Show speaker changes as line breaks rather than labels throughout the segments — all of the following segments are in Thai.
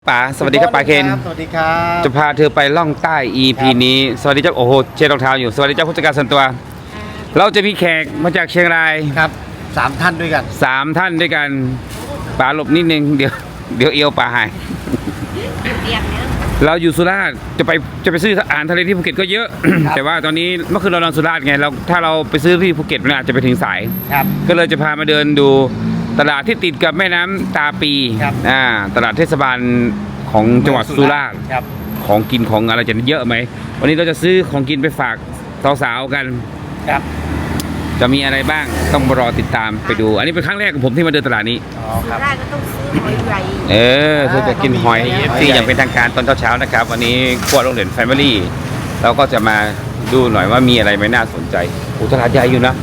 ป๋าสวัสดีครับป๋าเคน
สวัสดีครับ
จะพาเธอไปล่องใต้ EP นี้สวัสดีเจ้าโอ้โหเช็ดรองเท้าอยู่สวัสดีเจ้าผู้จัดการส่วนตัวเราจะมีแขกมาจากเชียงราย
ครับ3 ท่านด้วยกัน
3 ท่านด้วยกันป๋าหลบนิดนึงเดี๋ยวเอวป๋าหายเราอยู่สุราษฎร์จะไปซื้ออาหารทะเลที่ภูเก็ตก็เยอะ แต่ว่าตอนนี้เมื่อคืนเรานอนสุราษฎร์ไงถ้าเราไปซื้อที่ภูเก็ตมันอาจจะไปถึงสาย
ครับ
ก็เลยจะพามาเดินดูตลาดที่ติดกับแม่น้ำตาปี
ครับ
ตลาดเทศบาลของจังหวัดสุราษฎร์
ครับ
ของกินของอะไรจะเยอะไหมวันนี้เราจะซื้อของกินไปฝากสาวๆกัน
ครับ
จะมีอะไรบ้างต้องรอติดตามไปดู อันนี้เป็นครั้งแรกของผมที่มาเดินตลาดนี้
อ๋อครับ
ได้ก็ต้องซื้อหอยใหญ่
เธอจะกินหอย
หอย
ที่
ใหญ่
อย่างเป็นทางการตอนเช้าๆนะครับวันนี้ครัวโรงเรียนแฟมิลี่เราก็จะมาดูหน่อยว่ามีอะไรไหมน่าสนใจโอ้ตลาดใหญ่อยู่นะ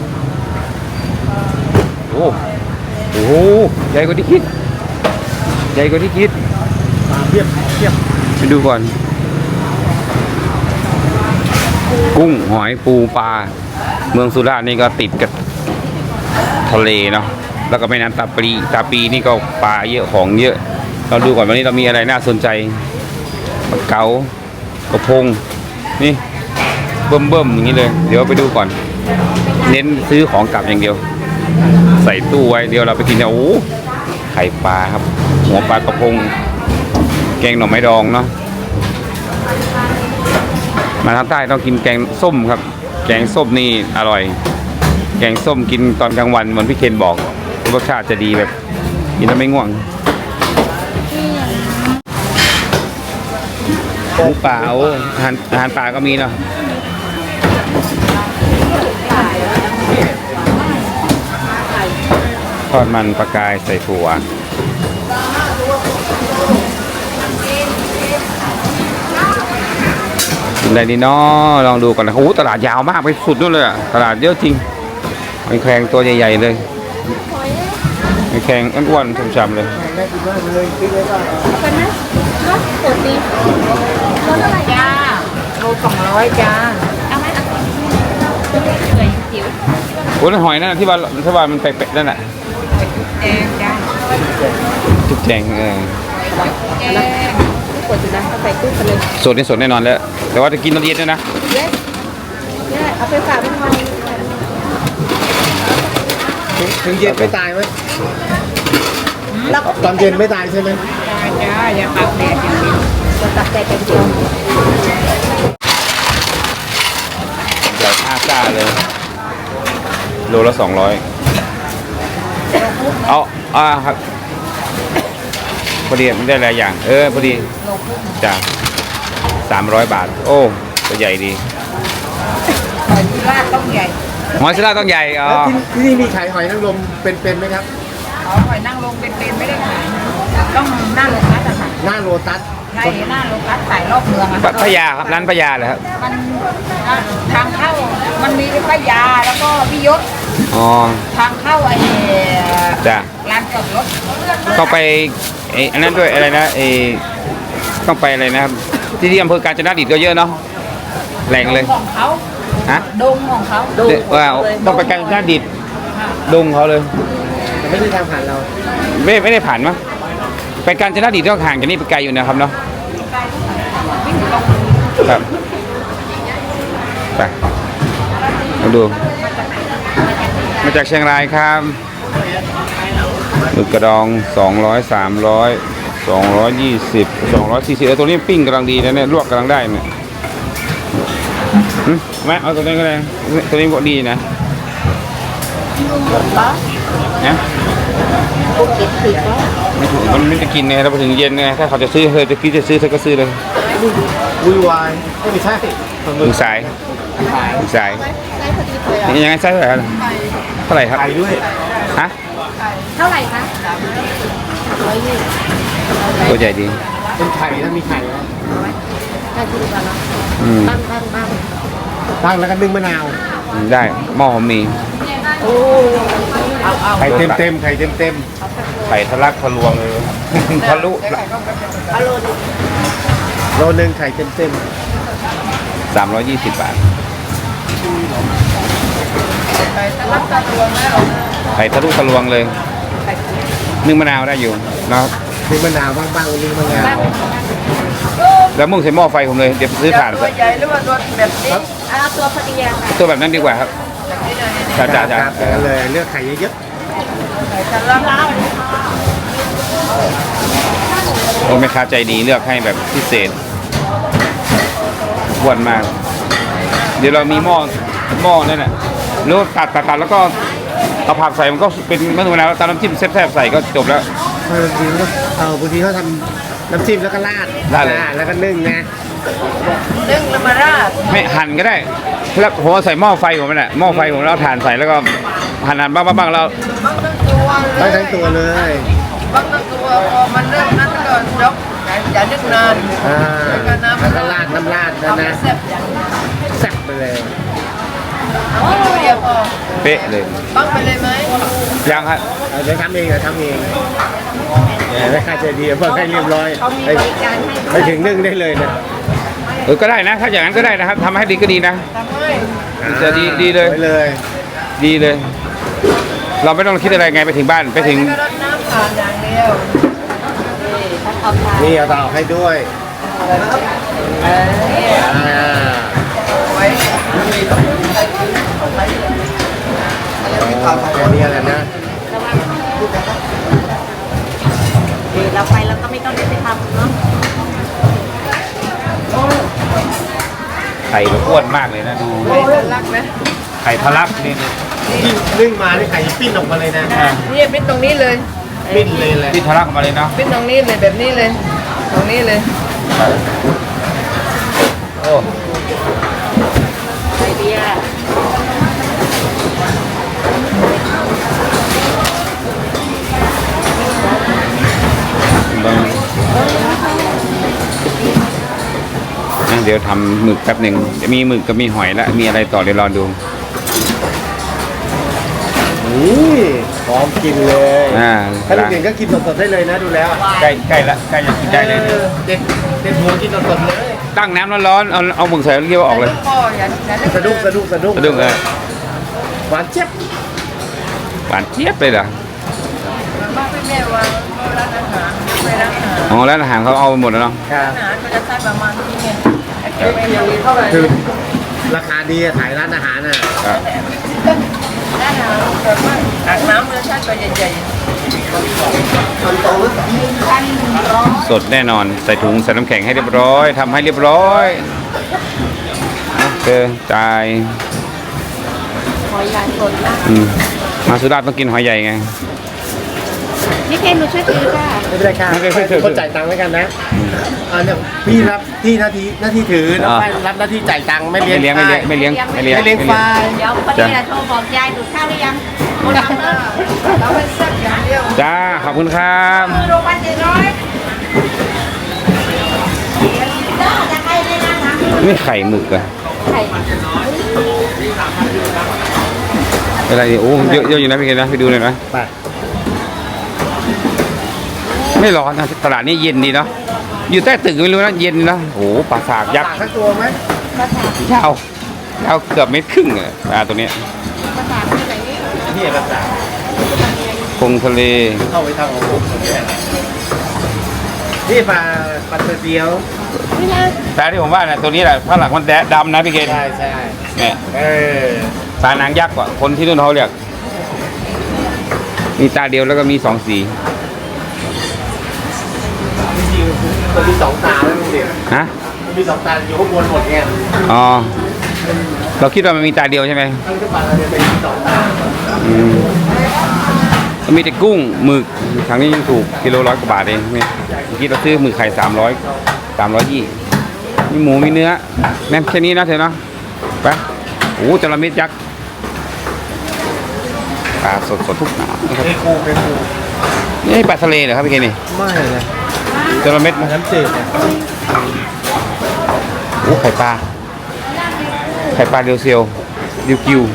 โอ้โหใหญ่กว่าที่คิดใหญ่กว่าที่คิด
เทียบ
ไปดูก่อนกุ้งหอยปูปลาเมืองสุราษฎร์นี่ก็ติดกับทะเลเนาะแล้วก็แม่น้ำตาปีนี่ก็ปลาเยอะของเยอะเราดูก่อนวันนี้เรามีอะไรน่าสนใจปลาเก๋ากระพงนี่เบิ่มๆอย่างนี้เลยเดี๋ยวไปดูก่อน เน้นซื้อของกลับอย่างเดียว ใส่ตู้ไว้เดี๋ยวเราไปกินเนี่ยโอ้ไข่ปลาครับหัวปลากระพงแกงหน่อไม้ดองเนาะมาทางใต้ต้องกินแกงส้มครับแกงส้มนี่อร่อยแกงส้มกินตอนกลางวันเหมือนพี่เคนบอกรสชาติจะดีแบบกินแล้วไม่ง่วงหมูป่าอาหารป่าก็มีเนาะทอดมันปลากายใส่ถั่วกินอะไรดีเนาะลองดูก่อนนะโอ้โหตลาดยาวมากไปสุดนู่นเลยอะตลาดเยอะจริงมีแครงตัวใหญ่ๆเลยมีแครงอ้วนๆช้ำๆเลย
เป็นไหมรถปกติรถอะไรจ้าโล200จ้าเอาไหมเลยจิ๋ว
โอ้นั่นหอยนั่นนะที่ว่ามันเป๊ะๆนั่นแหละ
แดงจ้า
จุกแจง
แดงทุกคนจะนะเอาใส่ตู้ไปเลย
สดนี่สดแน่นอนแล้วแต่ว่าจะกินตอนเย็นด้วยนะ
เย้เอาไปฝากพี่พร
ถึงเย็นไม่ตายไหม
แล้ว
ตอนเย็นไม่ตายใช่ไหม
จ้าอย่าปากแดดอย่างนี้จะตัดแต่กันเดียว
ใหญ่5 ซ่าเลยโลละ200ครับพอดีมันได้หลายอย่างพอดีจ้ะ300 บาทโอ้ตัวใหญ่ดี
หอยที่ราดต้องใหญ่
หอยสลาต้องใหญ่อ๋อ
แล้วที่นี่มีขายหอยนางรมเป็นไหมครับ
หอยนั่งลงเป็นไม่ได้ขายต้องหน้าโลตัสอะค่ะ
หน้าโลตัส
ใช่หน้าโลตัสขายรอบเมืองอะ
พญาครับร้านพญาเหรอครับ
มันทางเข้ามันมีป้ายาแล้วก็พี่ยศ
อ๋อ
ทางเข้าไอ้
จ้ะ
ร้านจอดรถ
ต้องไปอันนั้นด้วยอะไรนะต้องไปอะไรนะครับที่อำเภอกาญจนดิตก็เยอะเนาะแหล่งเลย
ของเขา
ฮะ
ดงของเขา
ว่าต้องไปกาญจนดิตดงเขาเลย
แต่ไม่ได้ทางผ่านเรา
ไม่ได้ผ่านมั้งไปกาญจนดิตก็ห่างจากนี่ไปไกลอยู่นะครับเนาะครับไปมาดูมาจากเชียงรายครับหมึกกระดอง200 300 220 240ตัวนี้ปิ้งกำลังดีนะเนี่ยลวกกำลังได้เนี่ยแม่เอาตัวนี้ก็ได้ตัวนี้ก็ดีนะนะ
ภูเก็ตผิดแล้ว
ไม่ถูกมันไม่จะกินไงเราไปถึงเย็นไงถ้าเขาจะซื้อเธอจะกินจะซื้อเธอก็ซื้อเลย
วุ่นวายไม่ใช่
ถึงสายถึงสายนี่ยังไงไส้เท่าไหร่เท่าไหร่ครับ
ขายด้วย
ฮะ
เท่าไหร่คะ
ตัวใหญ่ดี
เป็นไข่ถ้ามีไข่นะ
ได้ทุกวันแล้ว
อืม
ตั้งแล้วก็นึ่งมะนาว
ได้หม้อผมมี
โอ้เอา
ไข่เต็มไข่เต็ม
ไข่ทะลักทะลวงเลยทะลุ
เอาโลนึง
โลนึงไข่เต็ม
320 บาท
ไปตะลักตะลวงแล้ว
ไข่ทะลุทะลวงเลยนึ่งมะนาวได้อยู่นะครับ
นึ่งมะนาวบ้างๆนึ่งมะนาว
แล้วมุ่งใส่หม้อไฟผมเลยเดี๋ยวซื้อถ่าน
ตัวใหญ่หรือว่าตัวแบบนี้
เอาตัวพอดีอะค่ะ
ตัวแบบนั้นดีกว่าครับจ้าจ้าจ้า
ครับอย่างนั้นเลยเลือกไข่เยอะ
จะรับ
โอ้แม่ค้าใจดีเลือกให้แบบพิเศษอ้วนมาก เดี๋ยวเรามีหม้อนั่นแหละแล้วตัดแล้วก็เอาผักใส่มันก็เป็นมะนาวตามน้ำจิ้มแซ่บๆใส่ก็จบแล้ว
ๆบางทีก็บางทีเขาทำน้ำจิ้มแล้วก็ราด
ราดเลย
แล้วก็นึ่งนะ
นึ่งแล้วมาราด
ไม่หั่นก็ได้แล้วผมเอาใส่หม้อไฟผมนั่นแหละหม้อไฟผมแล้วเอาถ่านใส่แล้วก็หั่นบ้างแล้ว
บางทั้งตัวเล
ได้
ย
ทั้งตัวเลย
บางทั้งตัวพอมันเริ่มนั้นก็ยกอย่านึกนาน
อ่า
แล้วก็น้ำ
แล้วก็ราดน้ำราดนะ
เอาไป
นะ
แซ่บอย่าง
แซ่บไปเลย
เอาตัวเดียวพอ
เป๊ะเลย
บังไปเลยไหม
ยังครับ
เดี๋ยวทำเองทำเองไม่ค่าใจดีเพิ่งให้เรียบร้อย
เขามีบริการให้
ไปถึงนึ่งได้เลยนะ
ก็ได้นะถ้าอย่างนั้นก็ได้นะครับทำให้ดีก็ดีนะ
ทำให้
จะดีเลย
ไปเลย
ดีเลย เราไม่ต้องคิดอะไรไงไปถึงบ้านไปถึง
ก็รดน้ำผ่านอย่างเดียว
เอาทาน
นี่เอาเตาให้ด้วยอ่า
ไว้
แค่นี้แหละนะ
เราไปเราก็ไม่ต้องได้ไปทำเนาะ
ไข่อ้วนมากเลยนะดู
ไว้รักนะ
ไข่ทะลักนี่
ที่นึ่งมานี่ไข่ปิ้นออกมาเลยนะ
นี่เป็นตรงนี้เลย
ปิ้นเลยแหละ
ที่ทะลักออกมาเลยเนาะ
เป็นตรงนี้เลยแบบนี้เลย ตรงนี้เลย
โอ้
ไอเดีย
เดี๋ยวทำหมึกแป๊บหนึ่งจะมีหมึกกับมีหอยแล้วมีอะไรต่อเดี๋ยวรอดู
นี่พร้อมกินเลย ถ้า
ล้าง
เด็กๆก็กินสดๆได้เลยนะดูแล้ว
ใกล้ละใกล้จะกินได้เลย
เด็ดหัวกินสดๆเลย
ตั้งน้ำร้อนๆเอาหมึกใส่แล้วเคี่ยวออกเลย
พ่ออย่า
สะดุ้ง
สะดุ้งเลย
หวานเจี๊ยบ
หวานเจี๊ยบเลยเหรอ
บ้านพี่แม่วางร้านอาหารไปร้านอาหาร
อ๋อแล้วอาหารเขาเอาไปหมดแล้วเนาะ
ครับ
อาหารก็จะใช้ประมาณนี้ไงไอ้เกี่ยวกับเท่าไหร่
คือราคาดีอะขายร้านอาหารน่ะ
ครับ
ร้านอาหารแบบว่าอาบน้ำเลยใช้ตัวใหญ่
สดแน่นอนใส่ถุงใส่น้ำแข็งให้เรียบร้อยทำให้เรียบร้อยโอเคจ่าย
หอยลายสดนะ
มาสุราษฎร์ต้องกินหอยใหญ่ไง
นี่เคนหนูช่วยถือค่ะ
ไม่เป็นไรค่ะ
ไม่เป็นไร
คนจ่ายตังค์ไว้กันนะเนี่ยพี่รับที่หน้าที่ถือน้องฝ้ายรับหน้าที่จ่ายตังค์ไม่เลี้ยง
ไม่เลี้ยง
ไม่เลี้ยงฝ้าย
เดี๋ยวคนนี้โทรบอกยายดูดข้าวหรือยังหมดแล้วเนอะ
ๆเราไปแซ่บอย่างเดียว
จ้าขอบคุณครับ
โรงพยาบาล700จะให้ได้นะคะ
นี่ไข่หมึกอะ
ไข่
อะไรเนี่ยโอ้เยอะอยู่นะพี่เคนนะไปดูหน่อยนะ
ไป
ไม่ร้อนนะตลาดนี้เย็นดีเนาะอยู่ใต้ตึกไม่รู้นะเย็นนะโอ้โหปลาสากยักษ์
ปากทั้งตัวไหม
ยาวยาวเกือบเมตรครึ่งอะปลาตัวเนี้ย
นี่ภาษา
คงทะเล
เข้าไปทางของผมนี่ปลาเตอร์เดียว
แต่ที่ผมว่านะตัวนี้แหละข้างหลังมันแดะดำนะพี่เกณฑ์
ใช่
เนี่ย
เออ
ตานางยักษ์กว่าคนที่นู่นเขาเรียกมีตาเดียวแล้วก็มีสองสี
จริงๆมันมีสองตาแล้วลุงเด่น
ฮะ
มันมีสองตาอยู่ข้างบนหมดไง
อ๋อเราคิดว่ามันมีตาเดียวใช่ไหม
ทั้งที่ปลาเนี่ยเป็นสองตา
อืมมันมีแต่กุ้งหมึกทางนี้ยังถูกกิโล100 กว่าบาทเองเมื่อกี้เราซื้อหมึกไข่320มีหมูมีเนื้อแม่แค่นี้นะเธอเนาะไปโอ้จระเม็ดยักษ์ปลาสดทุกหนานะครับ
เป็นปู
นี่ปลาทะเลเหรอครับพี่เกนี่
ไม่นะ
จระเม็ด
น้ำจืดเนี่ย
โอ้ไข่ปลาเรียวเซียวเรียวกิว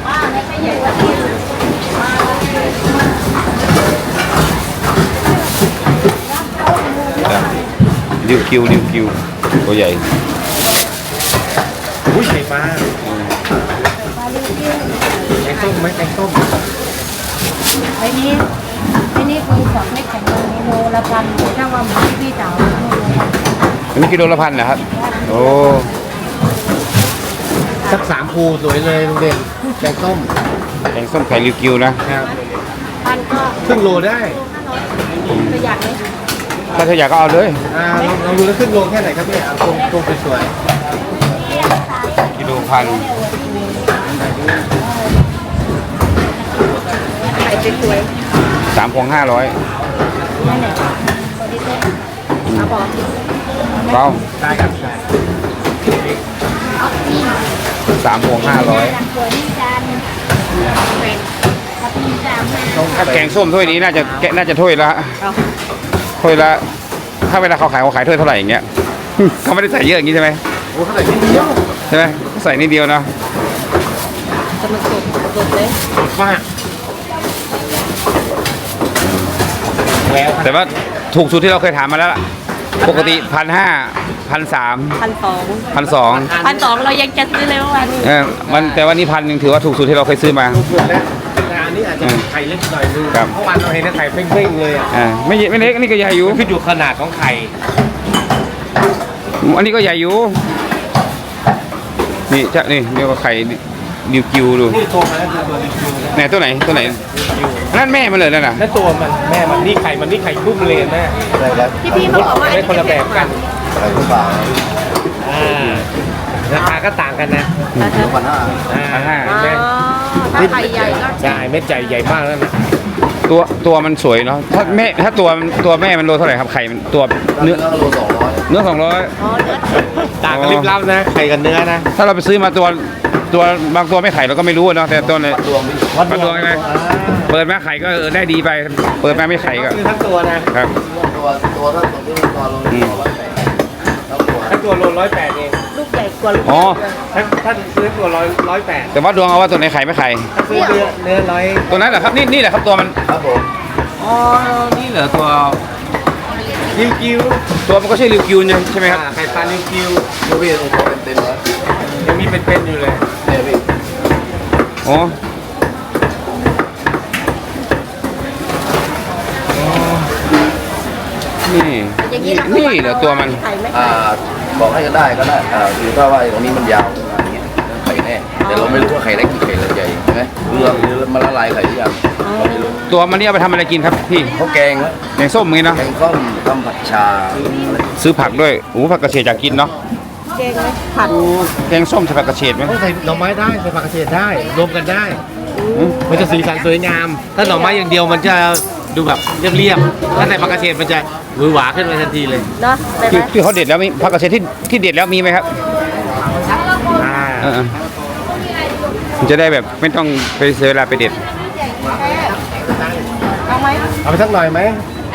เรียวกิวตัวใหญ่
อุ้ยไข่ปลาแกงส้มไหมแกงส้ม
ไอ้นี่คือ2 เม็ดของตรงนี้โลละพันถ้าว่าหมูพี่จ๋าโลละพัน
อันนี้กิโลละ1,000นะครับโอ้
สัก3ภูสวยเลยลุงเด่นแกงส้ม
แกงส้มไข่ริวกิวนะครับ
พันก็
ครึ่งโลได้
ประหยัดเลย
ถ้าเธออยากก็เอาเลย
ลองดูแล้วครึ่งโลแค่ไหนครับพี่ตรงสวย
กิโลพัน
ไข่สวย
3 พวง 500
ๆนั่นแหละเอาบอก
เปล่า
ๆได้ครับได้
3 พวง 500
ตัวนี้จานเป็นกับพี่จ๋ามา
ถ้าแกงส้มถ้วยนี้น่าจะถ้วยละถ้วยละถ้าเวลาเขาขายถ้วยเท่าไหร่อย่างเงี้ย เขาไม่ได้ใส่เยอะอย่างงี้ใช่ไหม
โอ้เท่าไหร่นิดเดียว
ใช่ไหมใส่นิดเดียวเนาะ
จะมันสดเลย
มากแล้ว
แต่ว่าถูกสุดที่เราเคยถามมาแล้วล่ะปกติ1,500 1,300
1,200 1,200เรายังจะซื้อเลยเมื่อวานนี้
มันแต่ว่านี่1,000ถือว่าถูกสุดที่เราเคยซื้อมา
ส่วนแล้วแต่อันนี้อาจจะไข่เล็กหน่อยนึง
ครับ
เมื่อวานเราเห็นไข่เป้งๆเลยอ่ะ
ไม่เล็กอันนี้ก็ใหญ่อยู่
ขึ้นอยู่ขนาดของไข่
อันนี้ก็ใหญ่อยู่นี่จะนี่เรียกว่าไข่ริวกิวดู
นี่โตมาแล้วคือตัวดิวนะ
ไหนตัวไหนตัวไหนนั่นแม่มันเลยนั่นน่ะ
แล้วตัวมันแม่มันนี่ไข่พุ่มเลยแม่อะไรครับ
พี่เขาบอกว่า
ได้คนละแบบกัน
อะไรก็ฝาก
ราคาก็ต่างกันนะ
1,500
1,500
แม่
ถ้าไข่ใหญ่ก็
ใช่เม็ดใหญ่มากแล้วนะ
ตัวมันสวยเนาะถ้าตัวแม่มันโลเท่าไหร่ครับไข่มันตัวเนื้อ
โล200
เนื้อ200
อ๋อเนื้อ
ต่างกันลิบลับนะไข่กับเนื้อนะ
ถ้าเราไปซื้อมาตัวบางตัวไม่ไข่เราก็ไม่รู้อะเนาะแต่ตัวเนี่ย
รวมไป
วัดดวงใช่ไหมเปิดมาไข่ก็ได้ดีไป เปิดมาไม่ไข่ก็
คือทั้งตัวนะครับ
ตัวถ้าตัวที่ตัวโล100ทั้งตัว
ทั้งตัวโล108เอง
ลูกใหญ่กว่าลูก
อ๋อ
ถ้าซื้อตัว108
แต่วัดดวงเอาว่าตัวไหนไข่ไม่ไข่
ถ้าซื้อเนื้อร้อย
ตัวนั้นแหละครับนี่แหละครับตัวมัน
ครับผม
อ๋อนี่เหรอตัว
กิ้ว
ตัวมันก็ใช่ริวกิวใช่ไหมครับ
ไข่ปลาลิวกิ้ว
ยูวีโอ้โหเต็มเลย
ยังมีเป็นๆอยู่เลย
เนี่ยพี่
อ๋อนี่
อย่างนี้
นี่เหรอตัวมัน
ไข่ไหม
บอกให้ก็ได้คือถ้าว่าตรงนี้มันยาวอย่างเงี้ยไข่แน่แต่เราไม่รู้ว่าไข่เล็กกี่ไข่เล็กใหญ่ใช่ไหมหรือมันละลายไข่หรือยังเราไม่รู้
ตัวมันนี่เอาไปทำอะไรกินครับพี่
เขาแกงนะ
แกงส้มอย่างงี้เนาะ
แกงส้มทำผัดชา
ซื้อผักด้วยโอ้ผักกระเฉดอยากกินเนาะ
แกงไหมผัด
แกงส้มใส่ผักกระเฉดไหม
ต้องใส่หน่อไม้ได้ใส่ผักกระเฉดได้รวมกันได้ มันจะสีสันสวยงาม ถ้าหน่อไม้อย่างเดียวมันจะดูแบบเรียบๆถ้าใส่ผักกระเฉดมันจะหวือหวาขึ้นมาทันทีเลย
เนาะได้ไหม
ที่เขาเด็ดแล้วมีผักกระเฉดที่เด็ดแล้วมีไหมครับ เออมันจะได้แบบไม่ต้องไปเสียเวลาไปเด็ด
เอาไหม
เอาไปสักหน่อยไหม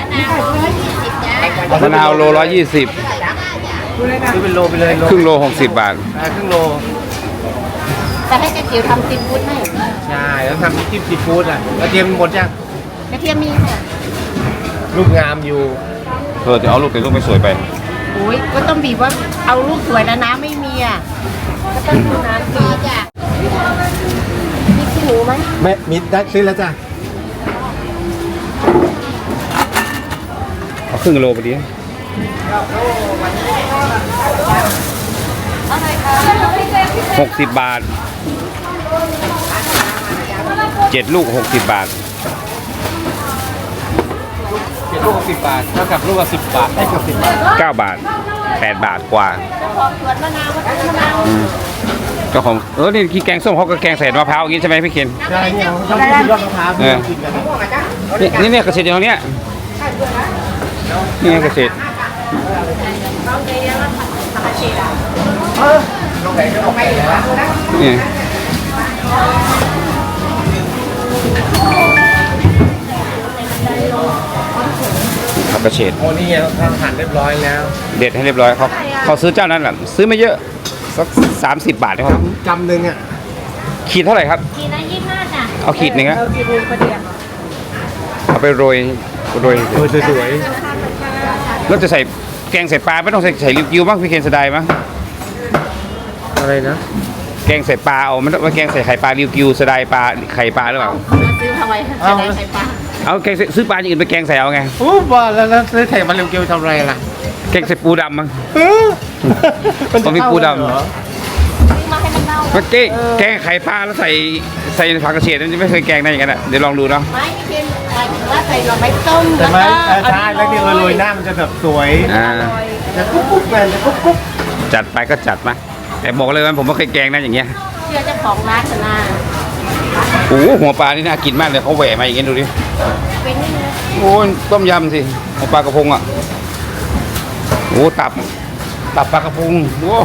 มะนาวโล120
ซื้อเป็นโลไปเลย
ครึ่งโล60 บาท
ครึ่งโล
แต่ให้กระเจียวทำซีฟู้ดให้
ใช่แล้วทำจิ้มซีฟู้ดอ่ะกระเทียมหมดยัง
กระเทียมมีค่ะ
ลูกงามอยู่
เดี๋ยวเอาลูกแต่ลูกไม่สวยไป
โอ้ยก็ต้องบีบว่าเอาลูกสวยนะน้ำไม่มีอ่ะก็ต้องดูน้ำดีจ้ะมีขี้หนูไหม
แม่มิดได้ซื้อแล้วจ้ะ
เอาครึ่งโลไปดิ60 บาท 7 ลูก 60 บาท
เป็นลูก10 บาทเท่ากับลูกละ10 บาทได้กับ10 บาท
9 บาท 8 บาทกว่า
ของสวนมะนาวมะนาว
เจ้าของนี่ที่แกงส้มเขาก็แกงใส่มะพร้าวอย่างนี้ใช่ไหมพี่เคน
ใช่เนี่ยเขาชอบกินยอดมะพร้าวที่เรากินกัน
นี่กระเฉดอย่างเนี้ยนี่กระเฉด
เราเรียกว่าผักกระเฉดอ่ะ
นี่ผักกระเฉด
โอ้นี่ทำหั่นเรียบร้อยแล้ว
เด็ดให้เรียบร้อยเขาซื้อเจ้านั้นแหละซื้อไม่เยอะสัก30 บาทนะครับ
กำหนึ่งอ่ะ
ขีดเท่าไหร่ครับ
ทีละ25จ้ะ
เอาขีดหนึ่งนะ
เรากินประเดี๋ยว
เอาไปโรย
สวย
แล้วจะใส่แกงใส่ปลาไม่ต้องใส่ริวกิวบ้างพี่เคนเสยดายมั้ง
ๆอะไรนะ
แกงใส่ปลาเอาไม่ต้องว่าแกงใส่ไข่ปลาริวกิวเสยดายปลาไข่ปลาหรือเปล่า
มาซื้อมาไว้จะได้ไข่ปลา
เอาแกงซื้อปลาอย่างอื่นไปแกงใส่เอาไง
โอ้บ้าแล้วซื้อไข่มาเร็วเกลียวทำอะไรล่ะ
แกงใส่ปูดำมั้ง
มันจะ
ต้องมีปูดำ
เข้ากันเหรอ
มาให้มันเน่า
เมื่อกี้แกงไข่ปลาแล้วใส่ผักกระเฉดนั่นไม่เคยแกงได้อย่างนั้นอ่ะเดี๋ยวลองดูเนาะ
ไม่เพียงหมายถึงว่าใส่หน่อไม้ต้ม
แต่
แล้ว
ไหม
ก็
ใช่แล้วที่โรยหน้ามันจะแบบสวย
อ่า
จะกุ๊กกุ๊กแมนจะกุ๊กกุ๊ก
จัดไปก็จัดมาแต่บอกเลยว่าผมไม่เคยแกงนะอย่างเงี้ย
เชื่อเจ้าของร้านชนะ
โอ้โหหัวปลานี่น่ากินมากเลยเขาแหวะมาอย่างเงี้ยดูดิ
เป็นนี่นะ
โอ้ยต้มยำสิหัวปลากระพงอ่ะโอ้ตับปลากระพงโอ้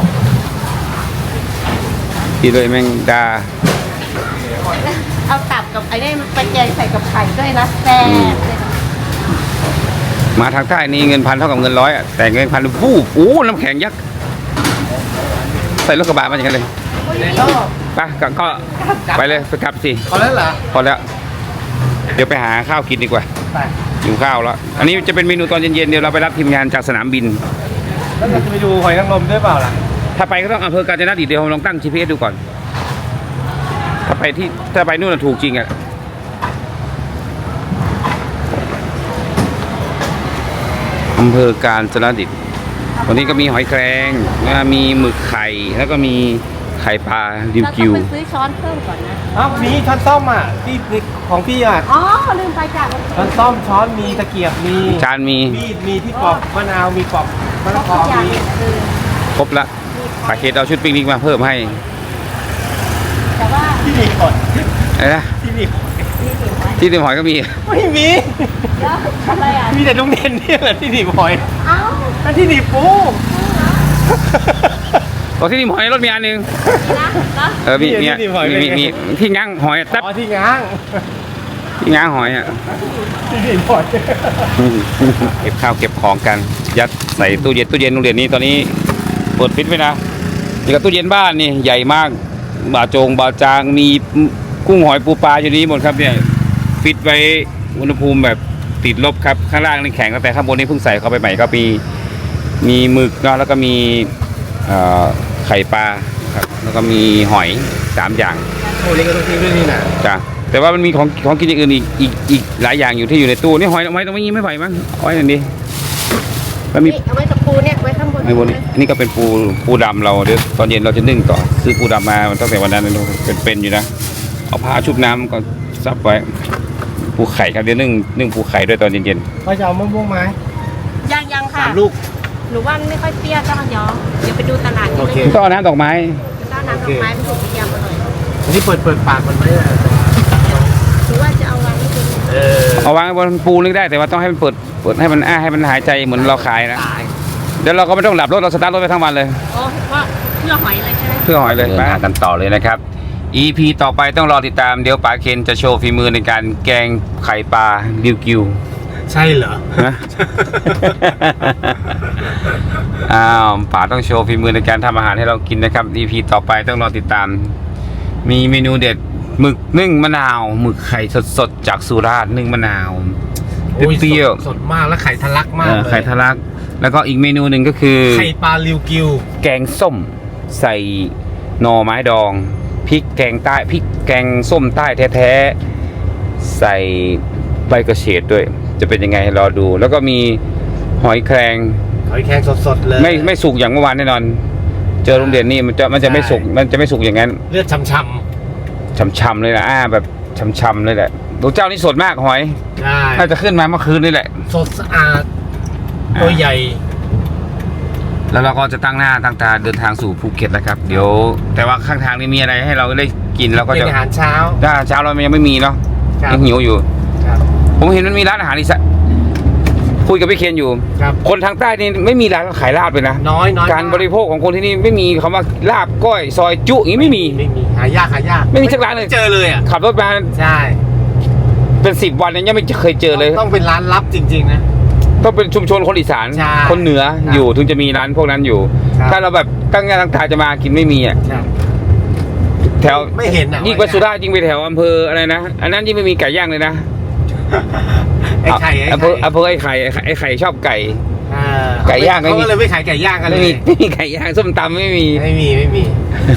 ดีเลยแมงดา
เอาตับกับไอ้นี่ไปแกงใส่กับไข่ด้วยนะแซ่บเลย
มาทางใต้นี่เงินพันเท่ากับเงินร้อยอ่ะแต่เงินพันฟูบโอ้น้ำแข็งยักษ์ใส่รถกระบะมาอย่างนั้นเลย
ชอบ
ไปก็ไปเลยไปกลับสิ
พอแล้วเหรอ
พอแล้วเดี๋ยวไปหาข้าวกินดีกว่า
ไป
หิวข้าวแล้วอันนี้จะเป็นเมนูตอนเย็นๆเดี๋ยวเราไปรับทีมงานจากสนามบิน
แล้วเราจะไปดูหอยนางรมด้วยเปล่าล่ะ
ถ้าไปก็ต้องอำเภอกาญจนดิตเดี๋ยวผมลองตั้ง GPS ดูก่อน ถ้าไปนู่นนะถูกจริงอ่ะอำเภอกาญจนดิตวันนี้ก็มีหอยแครงมีหมึกไข่แล้วก็มีไข่ปลาริว
เราต้
กิ
อง
ว
ไปซื้อช้อนเพิ่มก่อนนะ
อ้าวมีช้อนส้อมอ่ะที่ของพี่อ่ะ
อ๋อลืมไปจ้ะ
ช้อนส้อมช้อนมีตะเกียบมี
จานมี
มีที่ปอกมะนาวมีปอกมะละก
ทุ
อก
อย่าง
มี
คือ
ครบละปาเคสเอาชุดปิกนิกมาเพิ่มให้
แต่ว่า
ที่นี่หอย
อะไรนะ
ที่นี่
นี่ถึงไหม
ที่ติมหอยก็มี
ไม่มี
แล้วอะไรอ่ะ
มีแต่ลุงเด่นเนี่ยแหละที่หนีบหอย
เอ้า
นั่นที่หนีบปู
ตอนที่ติมหอยรถมีอันหนึง
นี่นะเนาะ
มีที่ง้างหอยอะตับ
อ๋อที่ง้าง
ที่ง้างหอยอ่ะ
ที่หนีบหอย
เก็บข้าวเก็บของกัน ยัดใส่ตู้เย็นโรงเรียนนี้ตอนนี้เปิดฟิตไว้นะนี่กับตู้เย็นบ้านนี่ใหญ่มากบาจางมีกุ้งหอยปูปลาอยู่นี้หมดครับเนี่ยฟิตไว้อุณหภูมิแบบติดลบครับข้างล่างนี่แข็งแต่ข้างบนนี่เพิ่งใส่เข้าไปใหม่ก็มีหมึกเนาะแล้วก็มีไข่ปลาครับแล้วก็มีหอย3อย่าง
โอ้เล็กก็ต้องทิ้งด้วยนี่นะ
จ้ะแต่ว่ามันมีของกินอย่างอื่นอีกหลายอย่างอยู่ที่อยู่ในตู้นี่หอยตรงนี้ไม่ไหวมั้งหอยอย่างนี้แล้วมี
นี่เอาไว้กับปูเนี่ยไว้ข้างบน
ในบนนี้อันนี้ก็เป็นปูดำเราเดี๋ยวตอนเย็นเราจะนึ่งต่อซื้อปูดำมาตั้งแต่วันนั้นเลยเป็นอยู่นะเอาผ้าชุบน้ำก็ซับไว้ปูไข่ครับเดี๋ยวนึ่งปูไข่ด้วยตอนเย็น
พ่อจะเอามะม่วงไหม
ยังค่ะ
3 ลูก
หนูว่าไม่ค่อยเปรี้ยวต้องย้อมเดี๋ยวไปดูตลาด
โอเค
ๆต้องเอาน้ำดอกไม้
เจ้าน้ำดอกไม้มันถูกยำอร่อย
อันนี้เปิดปากมันไหมอ่ะ
หรือว่าจะเอาวางไว้ตรงนี้
เอาวางบนปูนึกได้แต่ว่าต้องให้มันเปิดให้มันให้มันหายใจเหมือนเราขายนะ
ตาย
เดี๋ยวเราก็ไม่ต้องหลับรถเราสตาร์ทรถไปทั้งวันเลย
โอ้ว่าเพื่อหอยเลยใช่ไหม
เพื่อหอยเลยมากันต่อเลยนะครับ EP ต่อไปต้องรอติดตามเดี๋ยวป๋าเคนจะโชว์ฝีมือในการแกงไข่ปลาริวกิว
ใช่เหรอ
นะ อ้าวป๋าต้องโชว์ฝีมือในการทำอาหารให้เรากินนะครับ EP ต่อไปต้องรอติดตาม มีเมนูเด็ดหมึกนึ่งมะนาวหมึกไข่สดๆจากสุราษฎร์นึ่งมะนาวเปรี้ยว
สดมากแล้วไข่ทะลักมากเลย
ไข่ทะลักแล้วก็อีกเมนูหนึ่งก็คือ
ไข่ปลาริวกิว
แกงส้มใส่หน่อไม้ดองพริกแกงใต้พริกแกงส้มใต้แท้ๆใส่ใบกระเฉดด้วย จะเป็นยังไงรอดู แล้วก็มีหอยแครง
หอยแครงสดๆเลย
ไม่สุกอย่างเมื่อวานแน่นอน เจอโรงเรียนนี่มันจะไม่สุกอย่างนั้น
เลือดช้ำ
ช่ำๆเลยนะแบบช่ำๆเลยแหละตัวเจ้านี่สดมากหอย
ๆใช่
น่าจะขึ้นมาเมื่อคืนนี่แหละ
สดสะอาดตัวใหญ่
แล้วเราก็จะตั้งหน้าตั้งตาเดินทางสู่ภูเก็ตแล้วครับ เดี๋ยวแต่ว่าข้างทางนี่มีอะไรให้เราได้กินเราก็
เป็น
จะ
อาหารเช้า
ถ้าเช้าเรายังไม่มีเนาะ
ครับ
ยังหิวอยู่
ครับ
ผมเห็นมันมีร้านอาหารอีสานคุยกับพี่เคนอยู่
ครับ
คนทางใต้นี่ไม่มีร้านขายลาบเลยนะ
น้อย
การบริโภคของคนที่นี่ไม่มีคำว่าลาบก้อยซอยจุอย่างนี้ไม่มี
หายาก
ไม่มีสักร้านเลย
เจอเลยอ่ะ
ขับรถมา
ใช่
เป็น10 วันเนี่ยยังไม่เคยเจอเลย
ต้องเป็นร้านลับจริงๆนะ
ต้องเป็นชุมชนคนอีสาน
ใช่
คนเหนือ
ครับ
อยู่ถึงจะมีร้านพวกนั้นอยู่
ครับ
ถ้าเราแบบตั้งหน้าตั้งตาจะมากินไม่มีอ่ะ
ใช่
แถว
ไม่เห็นอ่ะ
ยิ่งไปสุราษฎร์ยิ่งไปแถวอำเภออะไรนะอันนั้นยิ่งไม่มีไก่ย่างเลยนะ
ไอ้ไข่
อำเภอไอ้ไข่ชอบไก่
อ่า
ไก่ย่างไม่มี
เขาก็เลยไม่ขายไก่ย่างกันเล
ไม่
ย
มีไก่ย่างส้มตำไม่มี
ไม่มี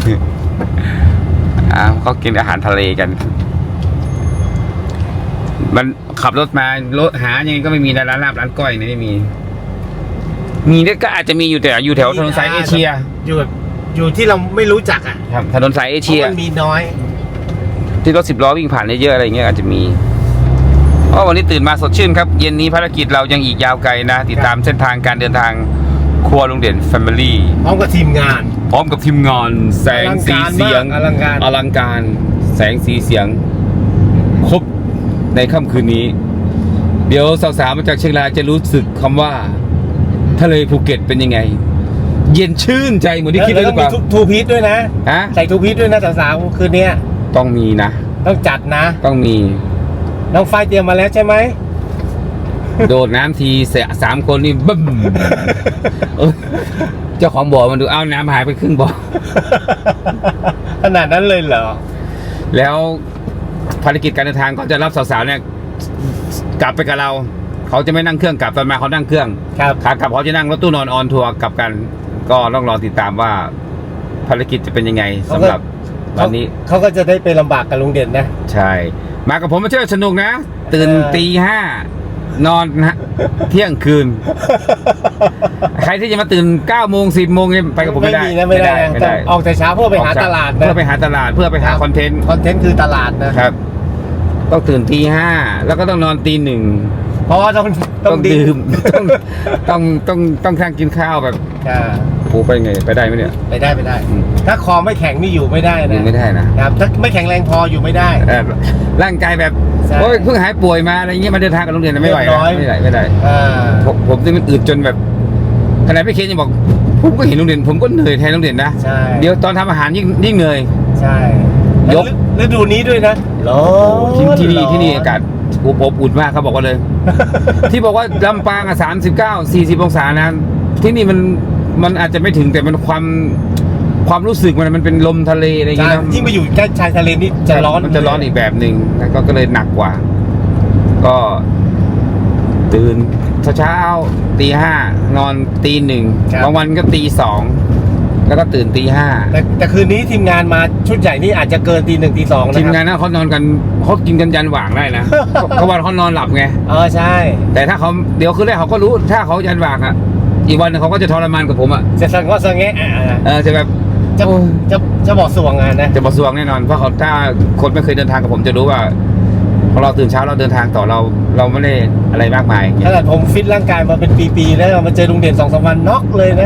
ก็กินอาหารทะเลกันมันขับรถมารถหายังไงก็ไม่มีร้านลาบร้านก้อยไม่มีเนี่ยก็อาจจะมีอยู่แต่อยู่แถวถนนสายเอเชีย
อยู่ที่เราไม่รู้จักอ่ะ
ครับถนนสายเอ
เพ
เชีย
ราะมันมีน้อย
ที่รถ10 ล้อวิ่งผ่านเยอะๆอะไรเงี้ยอาจจะมีวันนี้ตื่นมาสดชื่นครับเย็นนี้ภารกิจเรายังอีกยาวไกลนะติดตามเส้นทางการเดินทางครัวลุงเด่น Family
พร้อมกับทีมงาน
พร้อมกับทีมงานแสงสีเสียง
อลังการ
แสงสีเสียงครบในค่ำคืนนี้ เดี๋ยวสาวๆมาจากเชียงรายจะรู้สึกคำว่าทะเลภูเก็ตเป็นยังไง เย็นชื่นใจเหมือนที่คิดเลยหรือเปล่า
แล้วก็มีทูพีทด้วยนะ
ฮะ
ใส่ทูพีทด้วยนะสาวๆคืนนี้
ต้องมีนะ
ต้องจัดนะ
ต้องมี
น้องไฟเตรียมมาแล้วใช่ไหม
โดดน้ำที3 คนนี่บึ้มเจ้าของบ่อมันดูอ้าวน้ำหายไปครึ่งบ่อ
ขนาดนั้นเลยเหรอ
แล้วภารกิจการเดินทางก็จะรับสาวๆเนี่ยกลับไปกับเรา เขาจะไม่นั่งเครื่องกลับตอนมาเขานั่งเครื่อง
ครับ
ขากลับเขาจะนั่งรถตู้นอนออนทัวร์กลับกัน ก็ต้องรอติดตามว่าภารกิจจะเป็นยังไงสำหรับวันนี้
เขาก็จะได้ไปลำบากกับลุงเด่นนะ
ใช่ มากับผมมาเที่ยวสนุกนะ ตื่นตี 5นอนเที่ยงคืน ใครที่จะมาตื่น9 โมง 10 โมงเนี่ยไปกับผมไม่ได้
ไม่ได้นะ
ไม่ได้
ออกแต่เช้าเพื่อไปหาตลาดนะ
เพื่อไปหาตลาดเพื่อไปหาคอนเทนต์
คอนเทนต์คือตลาดนะครับ
ต้องตื่นตี 5แล้วก็ต้องนอนตี 1
เพราะว่าต้อง
ดื่มต้องทานกินข้าวแบบ
อ่า
โอ้ไปไงไปได้ไหมเนี่ย
ไปได้
อืม
ถ้าคอไม่แข็งนี่อยู่ไม่ได้
ยั
นะ
งไม่ได้นะ
ครับถ้าไม่แข็งแรงพออยู่ไม่ได้
ร่างกายแบบ
ใช่
โอ้ยเพิ่งหายป่วยมาอะไรเงี้ยมาเดินทางกับโรงเรียนไม่ไหว
เรียบร้
นะ
อย
ไม่ได้
อ่า
ผมที่มันอืดจนแบบขนาดพี่เคนยังบอกผมก็เห็นโรงเรียนผมก็เหนื่อยแทนโรงเรียนนะ
ใช่
เดี๋ยวตอนทำอาหารยิ่งเหนื่อย
ใช่
ยก
ฤดูนี้ด้วยนะร้อน
ที่นี่อากาศอบอุ่นมากเขาบอกว่าเลย ที่บอกว่าลำปางอ่ะ39-40 องศานะที่นี่มันอาจจะไม่ถึงแต่มันความรู้สึกมันเป็นลมทะเลอะไรอย่าง
ใช่
เงี้ยนะ
ยิ่งไปอยู่ใกล้ชายทะเลนี่จะร้อน
มันจะร้อนอีกแบบหนึ่งแล้วก็เลยหนักกว่า ก็ตื่นเช้าตี 5นอนตี 1บางวันก็ตี 2แล้วก็ตื่นตี
แต่คืนนี้ทีมงานมาชุดใหญ่นี่อาจจะเกินตี 1ตี 2
5
นะ
ทีม
ค
งา
รั
นนั้นเขานอนกันเขากินกันยันหว่างได้นะ เขาว่าเขานอนหลับไง
ใช่
แต่ถ้าเขาเดี๋ยวคืนแรกเขาก็รู้ถ้าเขายันหว่างอ่ะอีกวันหนึงเขาก็จะทรมานกับผมอ่ะ
จะสังก็สังแงะ
จะแบบ
จะ
โอ้ย
จะบอกสวงงานนะ
จะบสวงแน่นอนเพราะเขาถ้าคนไม่เคยเดินทางกับผมจะรู้ว่าพอเราตื่นเช้าเราเดินทางต่อเราไม่ได้อะไรมากมาย
ขนาดผมฟิตร่างกายมาเป็นปีๆแล้วมาเจอลุงเด่น2-3 วันน็อกเลยนะ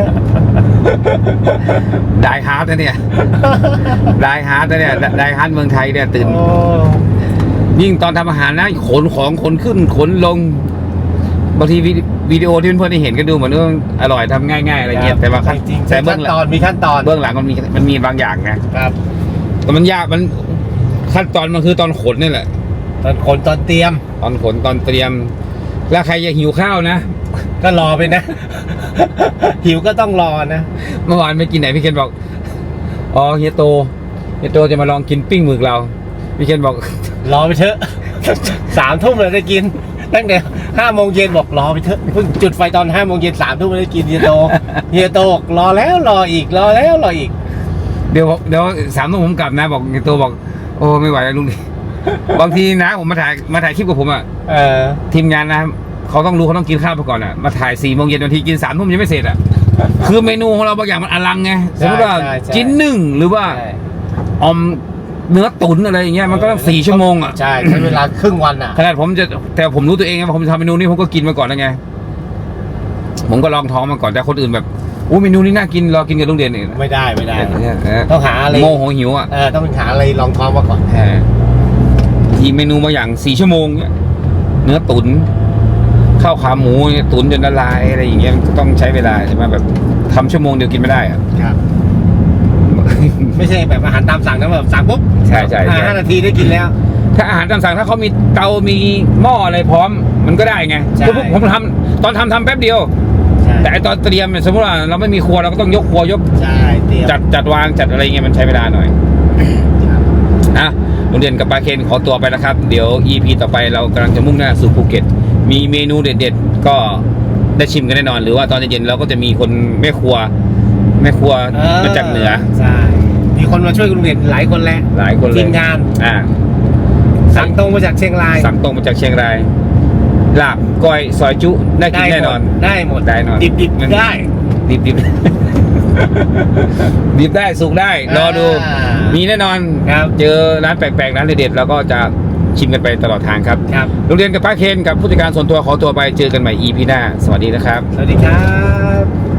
ได้ฮาร์ดนะเนี่ย ได้ฮาร์ดนะเนี่ยได้ฮาร์ดเมืองไทยเนี่ยตื่น
โอ้
ยิ่งตอนทำอาหารนะขนของขนขึ้นขนลงบางทีวิดีโอที่เพื่อนๆได้เห็นก็ดูเหมือนว่าอร่อยทำง่ายๆอะไรเงี้ยแต่ว่า
จริงๆ
แต่เบื้องหลัง
มีขั้นตอน
เบื้องหลังมันมีบางอย่างนะครับ แต่มันยากมันขั้นตอนมันคือตอนขนนี่แหละ
ตอนขนตอนเตรียม
ตอนขนตอนเตรียม แล้วใครจะหิวข้าวนะ
ก็รอไปนะ หิวก็ต้องรอนะ
เมื่อวานไปกินไหนพี่เคนบอกอ๋อเฮียโตจะมาลองกินปิ้งหมึกเราพี่เคนบอก
รอไปเถอะ 3 ทุ่มเลยได้กินตั้งแต่5 โมงเย็นบอกรอไปเถอะเพิ่งจุดไฟตอน5 โมงเย็น3 ทุ่มได้กินเฮียโตบอกรอแล้วรออีกรอแล้วรออีก
เดี๋ยว3 ทุ่มผมกลับนะบอกเฮียโตบอกโอ้ไม่ไหวแล้วลุงดิ บางทีนะผมมาถ่ายคลิปกับผมอ่ะ ทีมงานนะเขาต้องรู้เขาต้องกินข้าวไปก่อนอ่ะมาถ่าย4 โมงเย็นบางทีกิน3 ทุ่มยังไม่เสร็จอ่ะ คือเมนูของเราบางอย่างมันอลังไงสมมติว่า
ใช่
จิ้นนึ่งหรือว่าอมเนื้อตุ๋นอะไรอย่างเงี้ยมันก็ต้อง4 ชั่วโมงอ่ะ
ใช่ใช้เวลาครึ่งวันอ่ะ
ขนาดแต่ผมรู้ตัวเองไงว่าผมจะทำเมนูนี้ผมก็กินมาก่อนแล้วไงผมก็ลองท้องมาก่อนแต่คนอื่นแบบอู้เมนูนี้น่ากินรอกินกับลุงเด่นอีก
ไม่ได้ต้องหาอะไร
โมโหหิวอ่ะ
ต้องหาอะไรรองท้องมาก่อน
ทีเมนูมาอย่าง4 ชั่วโมงเนี่ยเนื้อตุ๋นข้าวขาหมูเนี่ยตุ๋นจนละลายอะไรอย่างเงี้ยมันก็ต้องใช้เวลาใช่ไหมแบบทำชั่วโมงเดียวกินไม่ได้อะ
ครับ ไม่ใช่แบบอาหารตามสั่งนะแบบสั่งปุ๊บ
ใช่
5 นาทีได้กินแล้ว
ถ้าอาหารตามสั่งถ้าเขามีเตามีหม้ออะไรพร้อมมันก็ได้ไง
ใช่
ผมทำตอนทำแป๊บเดียว
ใช่
แต่ไอตอนเตรียมเนี่ยสมมติว่าเราไม่มีครัวเราก็ต้องยกครัวยก
ใช่เตรียม
จัดวางจัดอะไรเงี้ยมันใช้เวลาหน่อย
ครับ
อ่ะโรงเรียนกับปาเคนขอตัวไปนะครับ เดี๋ยว EP ต่อไปเรากำลังจะมุ่งหน้าสู่ภูเก็ตมีเมนูเด็ดๆก็ได้ชิมกันแน่นอนหรือว่าตอนเย็นๆเราก็จะมีคนแม่ครัวมาจากเหนือ
ใช่มีคนมาช่วยลุงเด่นหลายคนแล้ว
หลายคนเลย
ทีมงาน
อ่า
สั่งตรงมาจากเชียงราย
สั่งตรงมาจากเชียงรายลาบก้อยซอยจุได้กินแน่นอน
ได้หมด
ได้นอน
ดิบๆได้
ดิบดิบ ดิบได้สุกได้รอดู มีแน่นอน
ครับ
เจอร้านแปลกๆร้านเด็ดๆเราก็จะชิมกันไปตลอดทางครับ
ครับ
โรงเรียนกับป้าเคนกับผู้จัดการส่วนตัวขอตัวไปเจอกันใหม่ EP หน้าสวัสดีนะครับ
สวัสดีครับ